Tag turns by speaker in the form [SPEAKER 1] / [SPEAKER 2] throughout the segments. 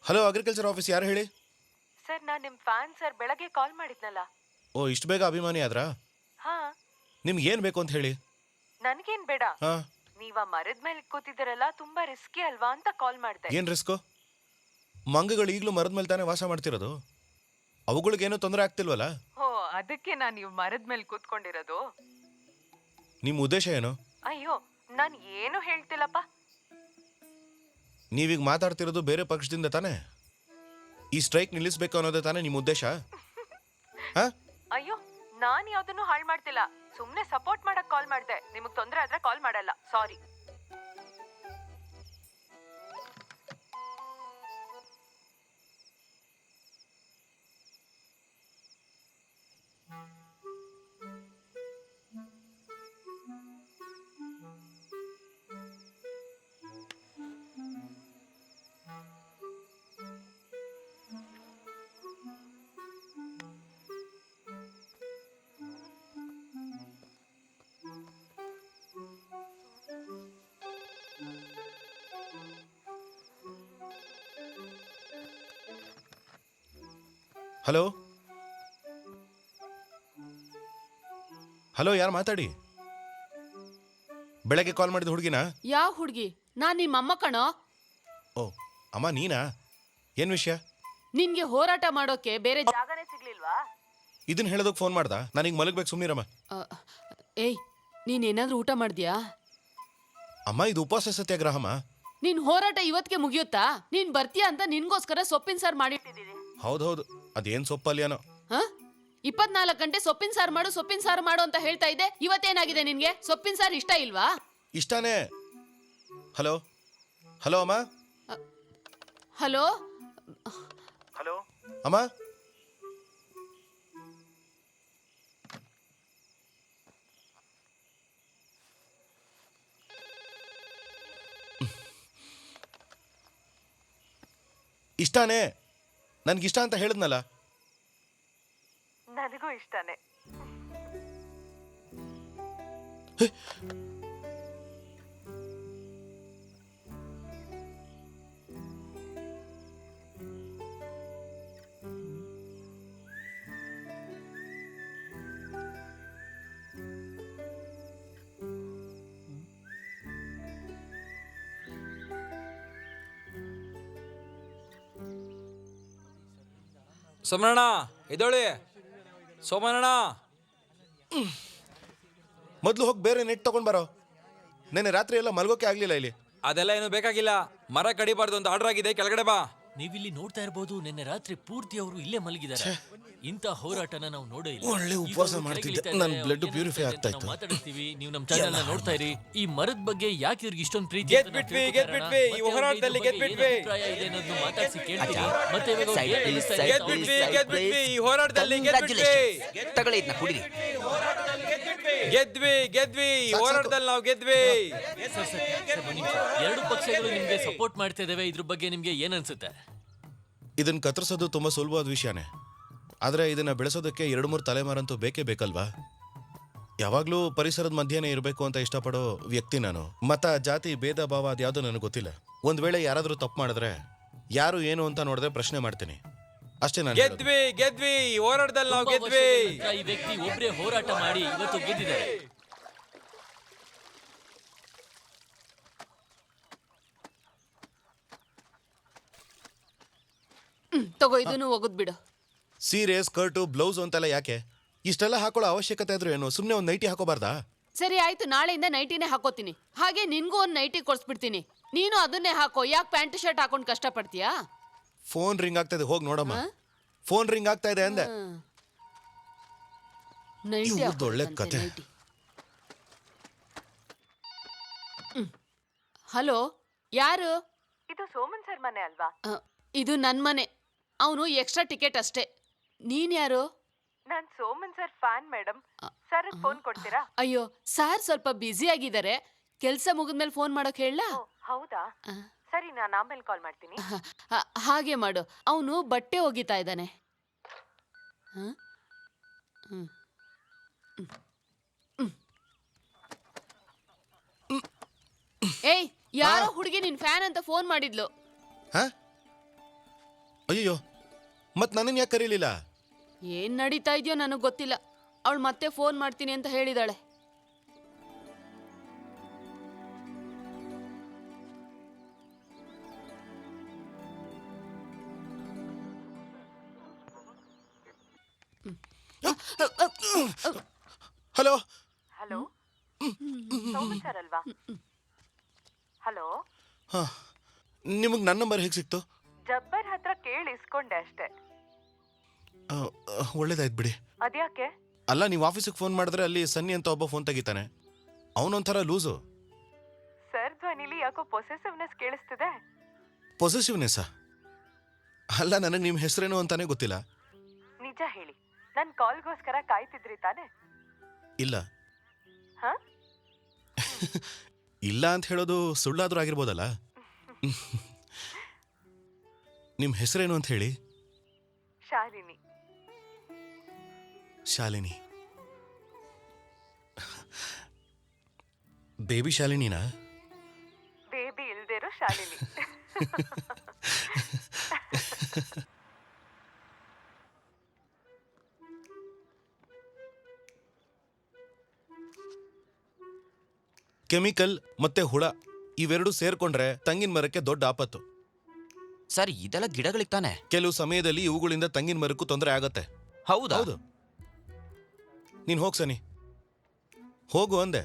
[SPEAKER 1] Hello, agriculture office, ಯಾರು ಹೇಳಿ?
[SPEAKER 2] Sir, ನಾನು ನಿಮ್ಮ ಫ್ಯಾನ್ ಸರ್. ಬೆಳಗ್ಗೆ ಕಾಲ್ ಮಾಡಿದ್ನಲ್ಲ.
[SPEAKER 1] ಓ, ಇಷ್ಟು ಬೇಗ ಅಭಿಮಾನಿ ಆದ್ರಾ?
[SPEAKER 2] ಹಾ.
[SPEAKER 1] ನಿಮ್ಗೆ ಏನು ಬೇಕು ಅಂತ ಹೇಳಿ.
[SPEAKER 2] ನನಗೇನ್ ಬೇಡ.
[SPEAKER 1] ಹಾ.
[SPEAKER 2] ನೀವ ಮರದ ಮೇಲೆ ಕೂತಿದ್ದೀರಲ್ಲ, ತುಂಬಾ ರಿಸ್ಕಿ ಅಲ್ವಾ ಅಂತ ಕಾಲ್ ಮಾಡಿದೆ.
[SPEAKER 1] ಏನು ರಿಸ್ಕು? ಮಂಗಗಳು ಈಗಲೂ ಮರದ ಮೇಲೆ ತಾನೇ ವಾಸ ಮಾಡ್ತಿರೋದು. ಅವುಗಳಿಗೇನೂ ತೊಂದರೆ ಆಗ್ತಿಲ್ವಲ್ಲ?
[SPEAKER 2] ಓ, ಅದಕ್ಕೆ ನಾನು ನೀವು ಮರದ ಮೇಲೆ ಕೂತ್ಕೊಂಡಿರೋದು.
[SPEAKER 1] ನಿಮ್ಮ ಉದ್ದೇಶ ಏನು?
[SPEAKER 2] ಅಯ್ಯೋ, ನಾನು ಏನು ಹೇಳ್ತಿಲ್ಲಪ್ಪ.
[SPEAKER 1] ನೀವೀಗ ಮಾತಾಡ್ತಿರೋದು ಬೇರೆ ಪಕ್ಷದಿಂದ ತಾನೇ? ಈ ಸ್ಟ್ರೈಕ್ ನಿಲ್ಲಿಸಬೇಕು ಅನ್ನೋದೇ ತಾನೇ ನಿಮ್ಮ ಉದ್ದೇಶ? ಹಾ?
[SPEAKER 2] ಅಯ್ಯೋ, ನಾನು ಯಾವ್ದನ್ನು ಹಾಳು ಮಾಡ್ತಿಲ್ಲ. ಸುಮ್ನೆ ಸಪೋರ್ಟ್ ಮಾಡಕ್ ಕಾಲ್ ಮಾಡಿದೆ. ನಿಮಗ್ ತೊಂದರೆ ಆದ್ರೆ ಕಾಲ್ ಮಾಡಲ್ಲ. ಸಾರಿ.
[SPEAKER 1] ಹಲೋ ಹಲೋ, ಯಾರು ಮಾತಾಡಿ? ಬೆಳಗ್ಗೆ ಕಾಲ್ ಮಾಡಿದ ಹುಡುಗಿನಾ?
[SPEAKER 3] ಯಾವ ಹುಡುಗಿ? ನಾನ್ ನಿಮ್ಮ ಅಮ್ಮ ಕಣೋ.
[SPEAKER 1] ಓ, ಅಮ್ಮ ನೀನಾ? ಏನು ವಿಷಯ?
[SPEAKER 3] ನಿನ್ಗೆ ಹೋರಾಟ ಮಾಡೋಕೆ ಬೇರೆ
[SPEAKER 2] ಜಾಗನೇ ಸಿಗ್ಲಿಲ್ವಾ?
[SPEAKER 1] ಇದನ್ನ ಹೇಳೋದಕ್ಕೆ ಫೋನ್ ಮಾಡ್ದ? ನನಗೆ ಮಲಗಬೇಕು, ಸುಮ್ಮನಿರಮ್ಮ.
[SPEAKER 3] ಏಯ್, ನೀನೇನಾದ್ರೂ ಊಟ ಮಾಡಿದ್ಯಾ?
[SPEAKER 1] ಅಮ್ಮ, ಇದು ಉಪವಾಸ ಸತ್ಯಾಗ್ರಹಮ್ಮ.
[SPEAKER 3] ನಿನ್ ಹೋರಾಟ ಇವತ್ತಿಗೆ ಮುಗಿಯುತ್ತಾ? ನೀನ್ ಬರ್ತೀಯಾ ಅಂತ ನಿನ್ಗೋಸ್ಕರ ಸೊಪ್ಪಿನ ಸಾರು ಮಾಡಿಟ್ಟಿದ್ದೀನಿ.
[SPEAKER 1] ಹೌದೌದು, ಅದೇನು ಸೊಪ್ಪಲ್ಯನೋ.
[SPEAKER 3] 24 ಗಂಟೆ ಸೊಪ್ಪಿನ ಸಾರು ಮಾಡು ಅಂತ ಹೇಳ್ತಾ ಇದ್ದೆ. ಇವತ್ತೇನಾಗಿದೆ ನಿನ್ಗೆ? ಸೊಪ್ಪಿನ ಸಾರು ಇಷ್ಟ ಇಲ್ವಾ?
[SPEAKER 1] ಇಷ್ಟಾನೇ. ಹಲೋ ಹಲೋ ಅಮ್ಮ.
[SPEAKER 3] ಹಲೋ
[SPEAKER 1] ಹಲೋ ಅಮ್ಮ. ಇಷ್ಟಾನೇ, ನನ್ಗಿಷ್ಟ ಅಂತ ಹೇಳಿದ್ನಲ್ಲ.
[SPEAKER 2] ನನಗೂ ಇಷ್ಟನೇ.
[SPEAKER 4] ಸೋಮಣ್ಣ ಇದೊಳಿ. ಸೋಮಣ್ಣ,
[SPEAKER 1] ಮೊದಲು ಹೋಗಿ ಬೇರೆ ನೆಟ್ ತಗೊಂಡ್ ಬರೋ. ನೆನ್ನೆ ರಾತ್ರಿ ಎಲ್ಲ ಮಲ್ಗೋಕೆ ಆಗ್ಲಿಲ್ಲ ಇಲ್ಲಿ.
[SPEAKER 4] ಅದೆಲ್ಲ ಏನು ಬೇಕಾಗಿಲ್ಲ. ಮರ ಕಡಿಬಾರ್ದು ಅಂತ ಆರ್ಡರ್ ಆಗಿದೆ, ಕೆಳಗಡೆ ಬಾ.
[SPEAKER 5] ನೀವಿಲ್ಲಿ ನೋಡ್ತಾ ಇರಬಹುದು, ನಿನ್ನೆ ರಾತ್ರಿ ಪೂರ್ತಿ ಅವರು ಇಲ್ಲೇ ಮಲಗಿದ್ದಾರೆ. ಇಂಥ ಹೋರಾಟನ ನಾವು ನೋಡೇ ಇಲ್ಲ.
[SPEAKER 1] ಒಳ್ಳೆ ಉಪವಾಸ ಮಾಡ್ತಿದ್ದೆ, ನನ್ನ ಬ್ಲಡ್ ಪ್ಯೂರಿಫೈ ಆಗ್ತಾ ಇತ್ತು.
[SPEAKER 5] ಮಾತಾಡ್ತೀವಿ, ನೀವು ನಮ್ಮ ಚಾನೆಲ್ ನ ನೋಡ್ತಾ ಇರಿ. ಈ ಮರದ ಬಗ್ಗೆ ಯಾಕೆ ಇವ್ರಿಗೆ ಇಷ್ಟೊಂದು ಪ್ರೀತಿ?
[SPEAKER 4] ಗೆದ್ಬಿಟ್ವಿ, ಈ ಹೋರಾಟದಲ್ಲಿ ಗೆದ್ಬಿಟ್ವಿ.
[SPEAKER 5] ಇದೆ ಅನ್ನೋದನ್ನ ಮಾತಾಡ್ಸಿ ಕೇಳ್ತೀವಿ. ಮತ್ತೆ ಇವಾಗ
[SPEAKER 4] ಗೆದ್ಬಿಟ್ವಿ, ಈ ಹೋರಾಟದಲ್ಲಿ ಗೆದ್ಬಿಟ್ವಿ.
[SPEAKER 6] ತಗೊಳ್ಳಿ ಇದನ್ನ ಕುಡಿರಿ.
[SPEAKER 4] ಗೆದ್ವಿ, ಈ ಹೋರಾಟದಲ್ಲಿ ನಾವು ಗೆದ್ವಿ.
[SPEAKER 5] ಎರಡು ಪಕ್ಷಗಳು ನಿಮ್ಗೆ ಸಪೋರ್ಟ್ ಮಾಡ್ತಾ ಇದಾವೆ. ಇದ್ರ ಬಗ್ಗೆ ನಿಮ್ಗೆ ಏನ್ ಅನ್ಸುತ್ತೆ?
[SPEAKER 1] ಇದನ್ನ ಕತ್ತರಿಸೋದು ತುಂಬಾ ಸುಲಭವಾದ ವಿಷಯನೇ, ಆದ್ರೆ ಇದನ್ನ ಬೆಳೆಸೋದಕ್ಕೆ 2-3 ತಲೆಮಾರಂತೂ ಬೇಕೇ ಬೇಕಲ್ವಾ? ಯಾವಾಗ್ಲೂ ಪರಿಸರದ ಮಧ್ಯೆನೇ ಇರಬೇಕು ಅಂತ ಇಷ್ಟಪಡೋ ವ್ಯಕ್ತಿ ನಾನು. ಮತ, ಜಾತಿ, ಭೇದ ಭಾವ ಅದ್ಯಾವುದೂ ನನಗೆ ಗೊತ್ತಿಲ್ಲ. ಒಂದ್ ವೇಳೆ ಯಾರಾದ್ರೂ ತಪ್ಪು ಮಾಡಿದ್ರೆ ಯಾರು ಏನು ಅಂತ ನೋಡಿದ್ರೆ ಪ್ರಶ್ನೆ ಮಾಡ್ತೀನಿ ಅಷ್ಟೇ. ನಾನು
[SPEAKER 4] ಗೆದ್ವಿ, ಈ ಹೋರಾಟದಲ್ಲಿ ನಾವು ಗೆದ್ವಿ.
[SPEAKER 5] ಈ ವ್ಯಕ್ತಿ ಒಬ್ಬರೇ ಹೋರಾಟ ಮಾಡಿ ಇವತ್ತು ಗೆದ್ದಿದ್ದಾರೆ.
[SPEAKER 3] ತಗೋ, ಇದನ್ನು ಹೋಗುದ್ ಬಿಡು.
[SPEAKER 1] ಸೀರೆ, ಸ್ಕರ್ಟು, ಬ್ಲೌಸ್ ಅಂತೆಲ್ಲ ಯಾಕೆ? ಇಷ್ಟೆಲ್ಲ ಹಾಕೊಳ್ಳೋ ಅವಶ್ಯಕತೆ ಆದ್ರೂ ಏನು? ಸುಮ್ಮನೆ ಒಂದು ನೈಟಿ ಹಾಕೋಬಾರ್ದಾ?
[SPEAKER 3] ಸರಿ ಆಯ್ತು, ನಾಳೆಯಿಂದ ನೈಟಿನೇ ಹಾಕೋತೀನಿ. ಹಾಗೆ ನಿನ್ಗೂ ಒಂದು ನೈಟಿ ಕೊಡ್ಸ್ಬಿಡ್ತೀನಿ. ನೀನು ಅದನ್ನೇ ಹಾಕೋ. ಯಾಕೆ ಪ್ಯಾಂಟ್ ಶರ್ಟ್ ಹಾಕೊಂಡು ಕಷ್ಟ ಪಡ್ತೀಯಾ?
[SPEAKER 1] ಫೋನ್ ರಿಂಗ್ ಆಗ್ತಾ ಇದೆ, ಹೋಗಿ ನೋಡಮ್ಮ. ಫೋನ್ ರಿಂಗ್ ಆಗ್ತಾ ಇದೆ ಅಂದೆ. ಒಳ್ಳೆ ಕತೆ.
[SPEAKER 3] ಹಲೋ, ಯಾರು?
[SPEAKER 2] ಇದು ಸೋಮನ್ ಸರ್ ಮನೆ ಅಲ್ವಾ?
[SPEAKER 3] ಇದು ನನ್ ಮನೆ. ಅವನು ಎಕ್ಸ್ಟ್ರಾ ಟಿಕೆಟ್ ಅಷ್ಟೇ. ನೀನ್ ಯಾರು?
[SPEAKER 2] ನಾನ್ Soman sir fan madam. Sir phone ಕೊಡ್ತೀರಾ?
[SPEAKER 3] ಅಯ್ಯೋ, ಸಾರ್ ಸ್ವಲ್ಪ ಬ್ಯುಸಿ ಆಗಿದ್ದಾರೆ. ಕೆಲ್ಸ ಮುಗಿದ್ಮೇಲೆ ಫೋನ್ ಮಾಡೋಕ್ ಹೇಳ?
[SPEAKER 2] ಹೌದಾ, ಸರಿ, ನಾನು ಆಮೇಲೆ ಕಾಲ್ ಮಾಡ್ತೀನಿ.
[SPEAKER 3] ಹಾಗೆ ಮಾಡು. ಅವನು ಬಟ್ಟೆ ಒಗಿತಾ ಇದ್ದಾನೆ. ಏಯ್, ಯಾರೋ ಹುಡುಗಿ ನಿನ್ ಫ್ಯಾನ್ ಅಂತ ಫೋನ್ ಮಾಡಿದ್ಲು.
[SPEAKER 1] ಅಯ್ಯೋ ಮತ್ ನನ್ನನ್ನು ಯಾಕೆ ಕರೀಲಿಲ್ಲ?
[SPEAKER 3] ಏನ್ ನಡೀತಾ ಇದೆಯೋ ನನಗೆ ಗೊತ್ತಿಲ್ಲ. ಅವಳು ಮತ್ತೆ ಫೋನ್ ಮಾಡ್ತೀನಿ ಅಂತ ಹೇಳಿದಾಳೆ.
[SPEAKER 1] ಹಲೋ.
[SPEAKER 2] ಹಲೋ, ಸೋಮನ್ ಸರ್ ಅಲ್ವಾ? ಹಲೋ,
[SPEAKER 1] ಹಾ, ನಿಮಗೆ ನನ್ನ ನಂಬರ್ ಹೇಗೆ ಸಿಕ್ತು?
[SPEAKER 2] ಜಬ್ಬರ್ ಹತ್ರ ಕೇಳಿ ಇಸ್ಕೊಂಡೆ ಅಷ್ಟೇ.
[SPEAKER 1] ಒಳ್ಳೇದಾಯ್ತು ಬಿಡಿ.
[SPEAKER 2] ಅದ್ಯಾಕೆ?
[SPEAKER 1] ಅಲ್ಲ, ನೀವು ಆಫೀಸಿಗೆ ಫೋನ್ ಮಾಡಿದ್ರೆ ಅಲ್ಲಿ ಸನ್ನಿ ಅಂತ ಒಬ್ಬ ಫೋನ್ ತೆಗಿತಾನೆ. ಅವನೊಂಥರ ಲೂಸು.
[SPEAKER 2] ಸರ್ ಧ್ವನಿಲಿ ಯಾಕೋ ಪೊಸೆಸಿವ್ನೆಸ್ ಕೇಳಿಸ್ತಿದೆ.
[SPEAKER 1] ಪೊಸೆಸಿವ್ನೆಸ್ಸಾ? ಅಲ್ಲ, ನನಗೆ ನಿಮ್ಮ ಹೆಸರೇನು ಅಂತಾನೆ ಗೊತ್ತಿಲ್ಲ.
[SPEAKER 2] ನಿಜ ಹೇಳಿ, ನನ್ ಕಾಲ್ಗೋಸ್ಕರ ಕಾಯ್ತಿದ್ರಿ ತಾನೆ?
[SPEAKER 1] ಇಲ್ಲ.
[SPEAKER 2] ಹ?
[SPEAKER 1] ಇಲ್ಲ ಅಂತ ಹೇಳೋದು ಸುಳ್ಳಾದ್ರೂ ಆಗಿರ್ಬೋದಲ್ಲ. ನಿಮ್ಮ ಹೆಸರೇನು ಅಂತ ಹೇಳಿ.
[SPEAKER 2] ಶಾಲಿನಿ.
[SPEAKER 1] ಶಾಲಿನಿ. ಬೇಬಿ ಶಾಲಿನಿನಾ?
[SPEAKER 2] ಬೇಬಿ ಇಲ್ದಿರೋ ಶಾಲಿನಿ.
[SPEAKER 1] ಕೆಮಿಕಲ್ ಮತ್ತೆ ಹುಳ ಇವೆರಡು ಸೇರ್ಕೊಂಡ್ರೆ ತಂಗಿನ ಮರಕ್ಕೆ ದೊಡ್ಡ ಆಪತ್ತು.
[SPEAKER 6] ಸರ್ ಇದೆಲ್ಲ ಗಿಡಗಳಿಗೆ ತಾನೆ?
[SPEAKER 1] ಕೆಲವು ಸಮಯದಲ್ಲಿ ಇವುಗಳಿಂದ ತಂಗಿನ ಮರಕ್ಕೂ ತೊಂದರೆ ಆಗತ್ತೆ.
[SPEAKER 6] ಹೌದಾ?
[SPEAKER 1] ಹೌದು. ನೀನ್ ಹೋಗ್ ಸನಿ, ಹೋಗು ಅಂದೆ.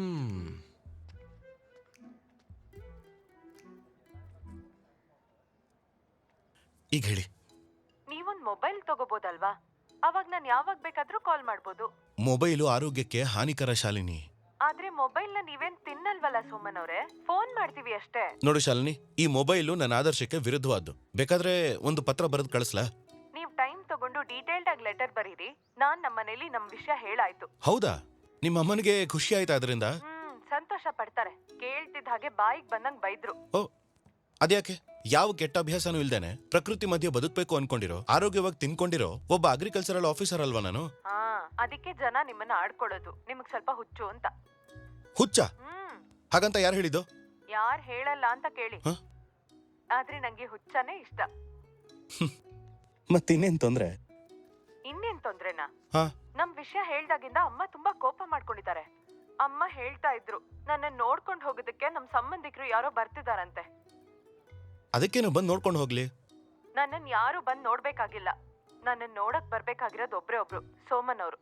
[SPEAKER 1] ಈಗ ಹೇಳಿ.
[SPEAKER 2] ನೀವೊಂದ್ ಮೊಬೈಲ್ ತಗೋಬೋದಲ್ವಾ? ಅವಾಗ ನಾನು ಯಾವಾಗ ಬೇಕಾದ್ರೂ ಕಾಲ್ ಮಾಡ್ಬೋದು.
[SPEAKER 1] ಮೊಬೈಲು ಆರೋಗ್ಯಕ್ಕೆ ಹಾನಿಕರ ಶಾಲಿನಿ.
[SPEAKER 2] ಆದ್ರೆ ಮೊಬೈಲ್ ನ ನೀವೇನ್ ತಿನ್ನಲ್ವಲ್ಲ ಸೋಮನ್ ಅವ್ರೆ, ಫೋನ್ ಮಾಡ್ತೀವಿ ಅಷ್ಟೇ.
[SPEAKER 1] ನೋಡು ಶಾಲಿನಿ, ಈ ಮೊಬೈಲು ನನ್ನ ಆದರ್ಶಕ್ಕೆ ವಿರುದ್ಧವಾದ್ದು. ಬೇಕಾದ್ರೆ ಒಂದು ಪತ್ರ ಬರೆದು ಕಳಿಸ್ಲಾ?
[SPEAKER 2] ನೀವ್ ಟೈಮ್ ತಗೊಂಡು ಡೀಟೇಲ್ಡ್ ಆಗಿ ಲೆಟರ್ ಬರೀರಿ. ನಾನ್ ನಮ್ಮನೇಲಿ ನಮ್ ವಿಷಯ ಹೇಳಾಯ್ತು.
[SPEAKER 1] ಹೌದಾ? ನಿಮ್ಮ ಅಮ್ಮನಿಗೆ ಖುಷಿ ಆಯ್ತಾ ಅದರಿಂದ?
[SPEAKER 2] ಸಂತೋಷ ಪಡ್ತಾರೆ. ಕೇಳ್ತಿದ್ದ ಹಾಗೆ ಬಾಯಿಗೆ ಬಂದಂಗ್ ಬೈದ್ರು.
[SPEAKER 1] ಓ, ಅದ್ಯಾಕೆ? ಯಾವ ಕೆಟ್ಟ ಅಭ್ಯಾಸನೂ ಇಲ್ದೇನೆ ಪ್ರಕೃತಿ ಮಧ್ಯೆ ಬದುಕಬೇಕು ಅನ್ಕೊಂಡಿರೋ, ಆರೋಗ್ಯವಾಗಿ ತಿನ್ಕೊಂಡಿರೋ ಒಬ್ಬ ಅಗ್ರಿಕಲ್ಚರಲ್ ಆಫೀಸರ್ ಅಲ್ವಾ ನಾನು?
[SPEAKER 2] ಅದಕ್ಕೆ ಜನ ನಿಮ್ಮನ್ನ ಆಡ್ಕೊಳ್ಳೋದು. ನಿಮಗ್ ಸ್ವಲ್ಪ ಹುಚ್ಚು ಅಂತ.
[SPEAKER 1] ಹುಚ್ಚ? ಹಾಗಂತ ಯಾರು ಹೇಳಿದ್ದು?
[SPEAKER 2] ಯಾರ್ ಹೇಳಲ್ಲ ಅಂತ ಕೇಳಿ.
[SPEAKER 1] ಹ?
[SPEAKER 2] ಆದ್ರೆ ನಂಗೆ ಹುಚ್ಚನೇ ಇಷ್ಟ.
[SPEAKER 1] ಮತ್ತಿನ್ನೇನ್ ತೊಂದ್ರೆ?
[SPEAKER 2] ಇನ್ನೇನ್ ತೊಂದ್ರೆನಾ?
[SPEAKER 1] ಹಾ,
[SPEAKER 2] ನಮ್ ವಿಷಯ ಹೇಳ್ದಾಗಿಂದ ಅಮ್ಮ ತುಂಬಾ ಕೋಪ ಮಾಡ್ಕೊಂಡಿದ್ದಾರೆ. ಅಮ್ಮ ಹೇಳ್ತಾ ಇದ್ರು, ನನ್ನ ನೋಡ್ಕೊಂಡ್ ಹೋಗೋದಕ್ಕೆ ನಮ್ ಸಂಬಂಧಿಕರು ಯಾರೋ ಬರ್ತಿದಾರಂತೆ.
[SPEAKER 1] ಅದಕ್ಕೇನು, ಬಂದು ನೋಡ್ಕೊಂಡು ಹೋಗ್ಲಿ.
[SPEAKER 2] ನನ್ನನ್ ಯಾರು ಬಂದ್ ನೋಡ್ಬೇಕಾಗಿಲ್ಲ. ನನ್ನನ್ ನೋಡಕ್ ಬರ್ಬೇಕಾಗಿರೋದು ಒಬ್ರೇ ಒಬ್ರು, ಸೋಮನ್ ಅವರು.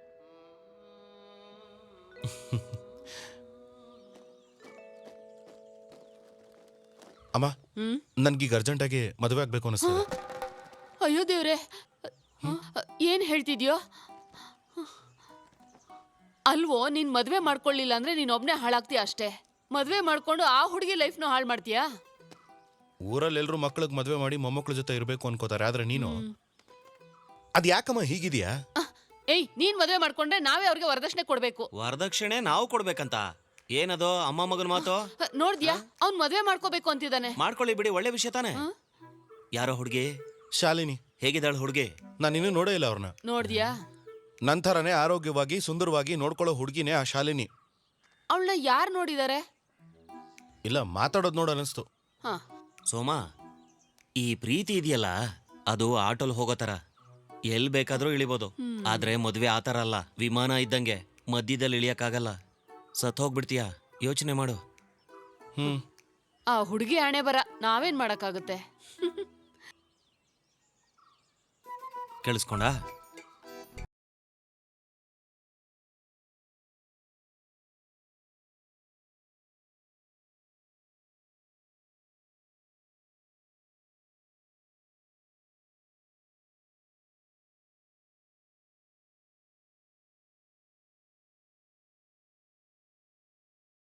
[SPEAKER 1] ಅಮ್ಮ, ನನ್ಗೀಗ ಅರ್ಜೆಂಟಾಗಿ ಮದುವೆ ಆಗ್ಬೇಕು ಅನಿಸ್ತದೆ.
[SPEAKER 3] ಅಯ್ಯೋ ದೇವ್ರೆ, ಏನ್ ಹೇಳ್ತಿದ್ಯೋ? ಅಲ್ವೋ, ನೀನ್ ಮದ್ವೆ ಮಾಡ್ಕೊಳ್ಳಿಲ್ಲ ಅಂದ್ರೆ ನೀನ್ ಒಬ್ನೇ ಹಾಳಾಗ್ತೀಯ ಅಷ್ಟೇ. ಮದ್ವೆ ಮಾಡ್ಕೊಂಡು ಆ ಹುಡುಗಿ ಲೈಫ್ನು ಹಾಳು ಮಾಡ್ತೀಯಾ?
[SPEAKER 1] ಊರಲ್ಲಿ ಎಲ್ರು ಮಕ್ಳಿಗೆ ಮದುವೆ ಮಾಡಿ ಮೊಮ್ಮಕ್ಳ ಜೊತೆ ಇರ್ಬೇಕು ಅನ್ಕೋತಾರೆ, ಆದ್ರೆ ನೀನು ಅದ್ ಯಾಕಮ್ಮ ಹೀಗಿದ್ಯಾ?
[SPEAKER 3] ಏಯ್, ನೀನ್ ಮದ್ವೆ ಮಾಡ್ಕೊಂಡ್ರೆ ನಾವೇ ಅವ್ರಿಗೆ ವರದಕ್ಷಿಣೆ ಕೊಡ್ಬೇಕು.
[SPEAKER 6] ವರದಕ್ಷಿಣೆ ನಾವು ಕೊಡ್ಬೇಕಂತ? ಏನದು ಅಮ್ಮ ಮಗನ ಮಾತು?
[SPEAKER 3] ನೋಡ್ದ್ಯಾ, ಅವ್ನ್ ಮದ್ವೆ ಮಾಡ್ಕೋಬೇಕು ಅಂತಿದ್ದಾನೆ.
[SPEAKER 6] ಮಾಡ್ಕೊಳ್ಳಿ ಬಿಡಿ, ಒಳ್ಳೆ ವಿಷಯ ತಾನೆ. ಯಾರೋ ಹುಡುಗಿ?
[SPEAKER 1] ಶಾಲಿನಿ.
[SPEAKER 6] ಹೇಗಿದ್ದಾಳು ಹುಡುಗಿ?
[SPEAKER 1] ನಾನು ಇನ್ನೂ ನೋಡೇ ಇಲ್ಲ ಅವ್ರನ್ನ.
[SPEAKER 3] ನೋಡ್ದ್ಯಾ?
[SPEAKER 1] ನಂತರನೇ ಆರೋಗ್ಯವಾಗಿ ಸುಂದರವಾಗಿ ನೋಡ್ಕೊಳ್ಳೋ ಹುಡುಗಿನೇ ಆ ಶಾಲಿನಿ.
[SPEAKER 3] ಅವಳನ್ನ ಯಾರು ನೋಡಿದಾರೆ?
[SPEAKER 1] ಇಲ್ಲ, ಮಾತಾಡೋದು ನೋಡ ಅನಿಸ್ತು.
[SPEAKER 3] ಹಾ,
[SPEAKER 6] ಸೋಮಾ, ಈ ಪ್ರೀತಿ ಇದೆಯಲ್ಲ, ಅದು ಆಟೋಲ್ ಹೋಗೋ ತರ. ಎಲ್ ಬೇಕಾದ್ರೂ ಇಳಿಬೋದು. ಆದ್ರೆ ಮದ್ವೆ ಆತರ ಅಲ್ಲ, ವಿಮಾನ ಇದ್ದಂಗೆ ಮಧ್ಯದಲ್ಲಿ ಇಳಿಯಕ್ಕಾಗಲ್ಲ. ಸತ್ ಹೋಗ್ಬಿಡ್ತೀಯ. ಯೋಚನೆ ಮಾಡು.
[SPEAKER 3] ಆ ಹುಡುಗಿ ಹಣೆ ಬರ, ನಾವೇನ್ ಮಾಡಕ್ಕಾಗುತ್ತೆ?
[SPEAKER 6] ಕೇಳಿಸ್ಕೊಂಡ?